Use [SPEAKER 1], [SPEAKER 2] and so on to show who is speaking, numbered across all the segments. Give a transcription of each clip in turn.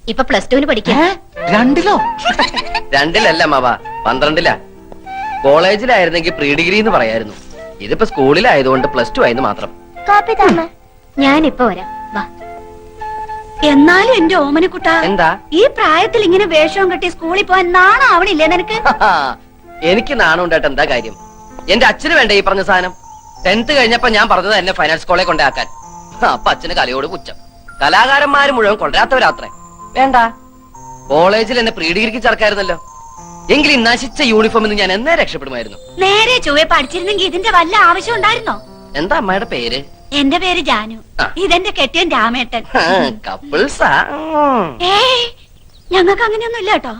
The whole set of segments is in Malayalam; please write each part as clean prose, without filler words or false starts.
[SPEAKER 1] ഇപ്പൊ +2 പഠിക്കാം.
[SPEAKER 2] രണ്ടിലോ?
[SPEAKER 3] രണ്ടിലല്ല മാവ, 12ലാ. കോളേജിലായിരുന്നെങ്കിൽ പ്രീ ഡിഗ്രി എന്ന് പറയായിരുന്നു. ഇതിപ്പോ സ്കൂളിലായതുകൊണ്ട് +2 ആയെന്ന് മാത്രം.
[SPEAKER 1] ഞാനിപ്പോ വരാം, വാ.
[SPEAKER 4] എന്നാലും എന്റെ ഓമനക്കുട്ട,
[SPEAKER 3] എന്താ?
[SPEAKER 4] ഈ പ്രായത്തിൽ ഇങ്ങനെ വേഷവും കെട്ടി സ്കൂളിൽ പോവാൻ നാണം ആവണില്ലേ നിനക്ക്?
[SPEAKER 3] എനിക്ക് നാണം ഉണ്ടായിട്ട് എന്താ കാര്യം? എന്റെ അച്ഛന് വേണ്ട ഈ പറഞ്ഞ സാധനം. 10th കഴിഞ്ഞപ്പോ ഞാൻ പറഞ്ഞത് എന്നെ ഫൈനാൻസ് കോളേജ് കൊണ്ടാക്കാൻ. അപ്പൊ അച്ഛന് കലയോട് പുച്ഛം. കലാകാരന്മാര് മുഴുവൻ കൊണ്ടുവരാത്തവരാത്രേ. വേണ്ട, കോളേജിൽ എന്നെ പ്രീ ഡിഗ്രിക്ക് ചേർക്കായിരുന്നല്ലോ. എങ്കിലും നശിച്ച യൂണിഫോമിൽ നിന്ന് ഞാൻ എന്നേ രക്ഷപ്പെടുമായിരുന്നു.
[SPEAKER 4] നേരെ ചൊവ്വെ പഠിച്ചിരുന്നെങ്കിൽ ഇതിന്റെ വല്ല ആവശ്യം ഉണ്ടായിരുന്നോ?
[SPEAKER 3] എന്താ അമ്മയുടെ പേര്?
[SPEAKER 4] എന്റെ പേര് ജാനു.
[SPEAKER 3] ആ.
[SPEAKER 4] ഇതെന്റെ കെട്ടിയൻ രാമേട്ടൻ.
[SPEAKER 3] കപ്പിൾസാ?
[SPEAKER 4] ഏയ്, ഞങ്ങൾക്ക് അങ്ങനെയൊന്നും ഇല്ല കേട്ടോ.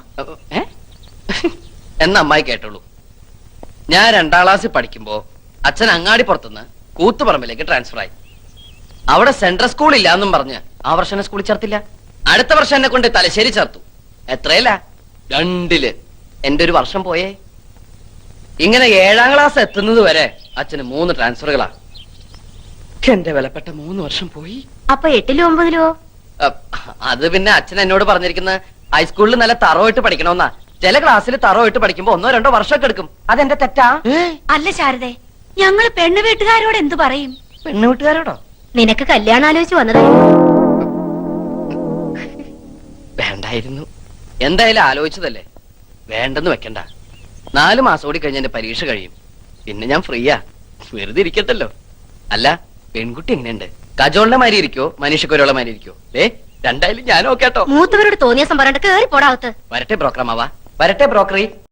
[SPEAKER 3] എന്ന അമ്മായി കേട്ടോളൂ. ഞാൻ 2ാം ക്ലാസ്സിൽ പഠിക്കുമ്പോ അച്ഛൻ അങ്ങാടിപ്പുറത്തുനിന്ന് കൂത്തുപറമ്പിലേക്ക് ട്രാൻസ്ഫർ ആയി. അവിടെ സെൻട്രൽ സ്കൂൾ ഇല്ല എന്നും പറഞ്ഞ് ആ വർഷം എന്നെ സ്കൂളിൽ ചേർത്തില്ല. അടുത്ത വർഷം എന്നെ കൊണ്ട് തലശ്ശേരി ചേർത്തു. എത്രയല്ല, 2ല്. എന്റെ ഒരു വർഷം പോയേ. ഇങ്ങനെ 7ാം ക്ലാസ് എത്തുന്നത് വരെ അച്ഛന് 3 ട്രാൻസ്ഫറുകളാ. എന്റെ വിലപ്പെട്ട 3 വർഷം പോയി.
[SPEAKER 1] അപ്പൊ 8ലോ 9ലോ?
[SPEAKER 3] അത് പിന്നെ അച്ഛൻ എന്നോട് പറഞ്ഞിരിക്കുന്ന ഹൈസ്കൂളിൽ നല്ല തറവായിട്ട് പഠിക്കണമെന്നാ. ചില ക്ലാസ്സിൽ തറവായിട്ട് പഠിക്കുമ്പോ 1 2 വർഷമൊക്കെ എടുക്കും. അതെന്റെ തെറ്റാ?
[SPEAKER 4] അല്ല ശാരദേ, ഞങ്ങള് പെണ്ണു വീട്ടുകാരോട് എന്തു പറയും?
[SPEAKER 3] പെണ്ണു വീട്ടുകാരോടോ?
[SPEAKER 1] നിനക്ക് കല്യാണം ആലോചിച്ച് വന്നതാ.
[SPEAKER 3] വേണ്ടായിരുന്നു. എന്തായാലും ആലോചിച്ചതല്ലേ, വേണ്ടെന്ന് വെക്കണ്ട. 4 മാസം കൂടി കഴിഞ്ഞ എന്റെ പരീക്ഷ കഴിയും. പിന്നെ ഞാൻ ഫ്രീയാ, വെറുതെ ഇരിക്കത്തല്ലോ. അല്ല, പെൺകുട്ടി എങ്ങനെയുണ്ട്? കജോളിന്റെ മാതിരി ഇരിക്കോ മനീഷക്കൊരുള്ള മാതിരി ഇരിക്കോ? രണ്ടായാലും ഞാനോ കേട്ടോ.
[SPEAKER 1] മൂത്തവരോട് തോന്നിയ സംഭരണം കേറി പോടാവത്ത്.
[SPEAKER 3] വരട്ടെ ബ്രോക്കറമാവാ, വരട്ടെ ബ്രോക്കറി.